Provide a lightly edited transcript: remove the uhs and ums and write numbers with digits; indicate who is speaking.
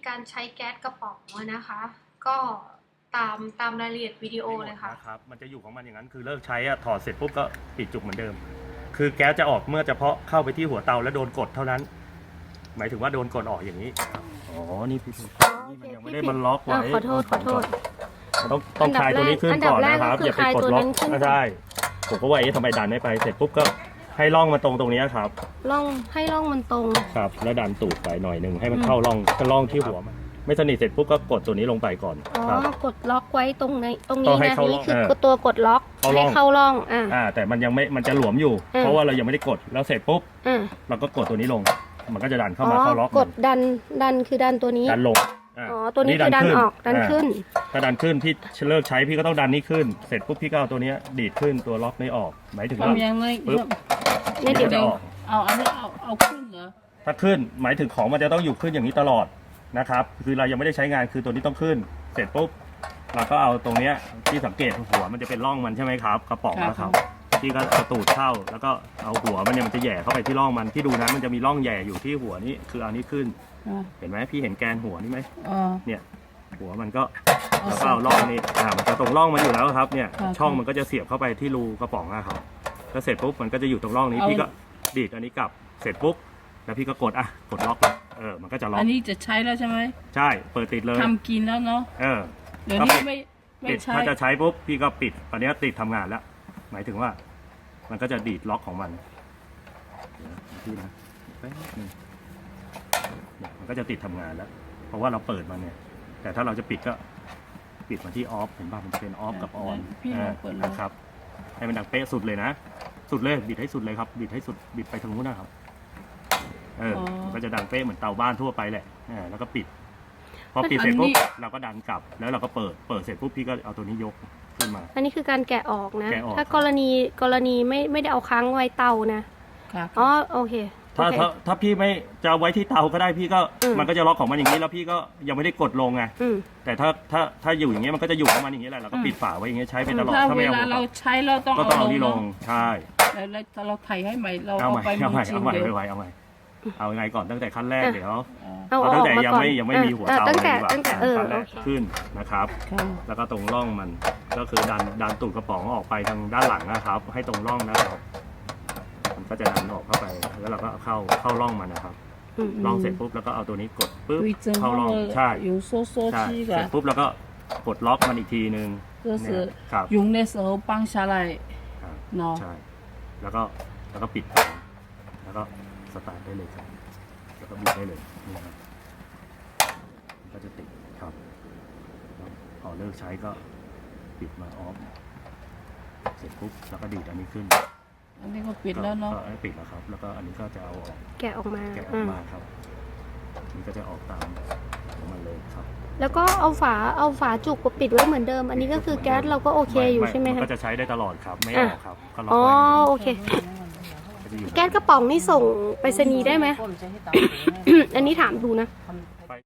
Speaker 1: การใช้แก๊สกระป๋องนะคะ ก็ตามรายละเอียดวิดีโอเลยค่ะ
Speaker 2: นะครับมันจะอยู่ของมันอย่างนั้นคือเลิกใช้ถอดเสร็จปุ๊บก็ปิดจุกเหมือนเดิมคือแก๊สจะออกเมื่อเฉพาะเข้าไปที่หัวเตาแล้วโดนกดเท่านั้นหมายถึงว่าโดนกดออกอย่างนี้อ๋อนี่พี่นี่มันยังไม่ได้มันล็อกไว้
Speaker 1: ขอโทษ
Speaker 2: ต้องคลายตัวนี้ขึ้นก่อนนะครับอย่าไปกดล็อกไม่ได้ผมก็ว่าทำไมดันไม่ไปเสร็จปุ๊บก็ให้ร่องมาตรงนี้ครับ
Speaker 1: ให้ร่องมันตรง
Speaker 2: ครับแล้วดันตูดไปหน่อยหนึ่งให้มันเข้าร่องที่หัวมันไม่สนิทเสร็จปุ๊บก็กดตัวนี้ลงไปก่อน
Speaker 1: กดล็อกไว้ตรงนี้นะนี่คือตัวกดล็อกให้เข้าร่อง
Speaker 2: แต่มันยังไม่มันจะหลวมอยู่เพราะว่าเรายังไม่ได้กดแล้วเสร็จปุ๊บเราก็กดตัวนี้ลงมันก็จะดันเข้ามาเข้าล็อก
Speaker 1: กดดันคือดันตัวนี้
Speaker 2: ดันลง
Speaker 1: ตัวนี้คือดันออกดันขึ้น
Speaker 2: ถ้าดันขึ้นพี่เลิกใช้พี่ก็ต้องดันนี้ขึ้นเสร็จปุ๊บพี่ก็เอาตัวนี้ดีดขึ้นตัวล็อกนี้ออกหมายถึงว่า
Speaker 3: ปึ๊บ
Speaker 1: นี่เดี๋ยว
Speaker 3: เอาอันนี้เอาขึ้นเหรอ
Speaker 2: ถ้าขึ้นหมายถึงของมันจะต้องอยู่ขึ้นอย่างนี้ตลอดนะครับคือเรายังไม่ได้ใช้งานคือตัวนี้ต้องขึ้นเสร็จปุ๊บเราก็เอาตรงนี้ที่สังเกตหัวมันจะเป็นร่องมันใช่ไหมครับกระป๋องนะครับพี่ก็เอาตูดเข้าแล้วก็เอาหัวมันเนี่ยมันจะแย่เข้าไปที่ร่องมันที่ดูนะมันจะมีร่องแย่อยู่ที่หัวนี้คือเอานี้ขึ้นเห็นไหมพี่เห็นแกนหัวนี่ไหมเนี่ยหัวมันก็แล้วก็เอาร่องนี้มันจะตรงร่องมันอยู่แล้วครับเนี่ยช่องมันก็จะเสียบเข้าไปที่รูกระป๋องนะครับก็เสร็จปุ๊บมันก็จะอยู่ตรงร่องนี้พี่ก็ดีดอันนี้กลับเสร็จปุ๊บแล้วพี่ก็กดล็อกมันก็จะล็อก
Speaker 3: อันนี้จะใช้แล้วใช่ไหม
Speaker 2: ใช่เปิดติดเลย
Speaker 3: ทำกินแล้วเนาะเดี๋ยวนี้ไม่ใช้
Speaker 2: ถ้าจะใช้ปุ๊บพี่ก็ปิดตอนนี้ติดทำงานแล้วหมายถึงว่ามันก็จะดีดล็อกของมันพี่นะมันก็จะติดทำงานแล้วเพราะว่าเราเปิดมันเนี่ยแต่ถ้าเราจะปิดก็ปิดมาที่ออฟเห็นป่ะมันจะเป็นออฟกับออนนะครับให้มันดังเป๊ะสุดเลยนะสุดเลยบิดให้สุดเลยครับบิดให้สุดบิดไปทางนู้นนะครับก็จะดังเป๊ะเหมือนเตาบ้านทั่วไปแหละแล้วก็ปิดพอปิดเสร็จปุ๊บเราก็ดันกลับแล้วเราก็เปิดเสร็จปุ๊บพี่ก็เอาตัวนี้ยกขึ้นมา
Speaker 1: อันนี้คือการแกะออกนะถ้ากรณีไม่ได้เอาค้างไว้เตานะโอเค
Speaker 2: ถ้าพี่ไม่จะไว้ที่เตาก็ได้พี่ก็มันก็จะล็อกของมันอย่างนี้แล้วพี่ก็ยังไม่ได้กดลงไงแต่ถ้าอยู่อย่างเงี้ยมันก็จะอยู่ของมันอย่างนี้แหละเราก็ปิดฝาไว้อย่างเงี้ยใช้ไปตลอด
Speaker 3: ถ้าเวลาเราใช้เราต้อง
Speaker 2: เอานี่ลงใช่
Speaker 3: แล้วเราไถให้ใหม่เรา
Speaker 2: เอาไปเอาใหม่เอาไงก่อนตั้งแต่ขั้นแรกเดี๋ยวตั้งแต่ยังไม่มีหัวเตาเลยดีกว่าขั้นแรกขึ้นนะครับแล้วก็ตรงร่องมันก็คือดันตูดกระป๋องออกไปทางด้านหลังนะครับให้ตรงร่องนะครับมันก็จะดันออกเข้าไปแล้วเราก็เข้าร่องมันนะครับร่องเสร็จปุ๊บแล้วก็เอาตัวนี้กดปุ๊บเข้าร่องใช่เสร็จปุ๊บแล้วก็กดล็อกมันอีกทีนึง
Speaker 3: ครับ用的时候放下来เนาะ
Speaker 2: ใช่แล้วก็ปิดแล้วก็สตาร์ทได้เลยครับแล้วก็บิดได้เลยนี่ครับก็จะติดครับพอเลิกใช้ก็ปิดมาออฟเสร็จปุ๊บแล้วก็ดีดอันนี้ขึ้น
Speaker 3: อันนี้ก็ปิดแล้วเนาะ
Speaker 2: ปิดแล้วครับแล้วก็อันนี้ก็จะเอาออก
Speaker 1: แกะออกมา
Speaker 2: ครับนี่ก็จะออกตามของมันเลยครับ
Speaker 1: แล้วก็เอาฝาจุกปิดไว้เหมือนเดิมอันนี้ก็คือแก๊สเราก็โอเคอยู่ใช่ไหมคะ
Speaker 2: ก็จะใช้ได้ตลอดครับไม่ออกครับก็ล็อก
Speaker 1: ไว้โอเคแก๊สกระป๋องนี่ส่งไปรษณีย์ได้ไหมอันนี้ถามดูนะ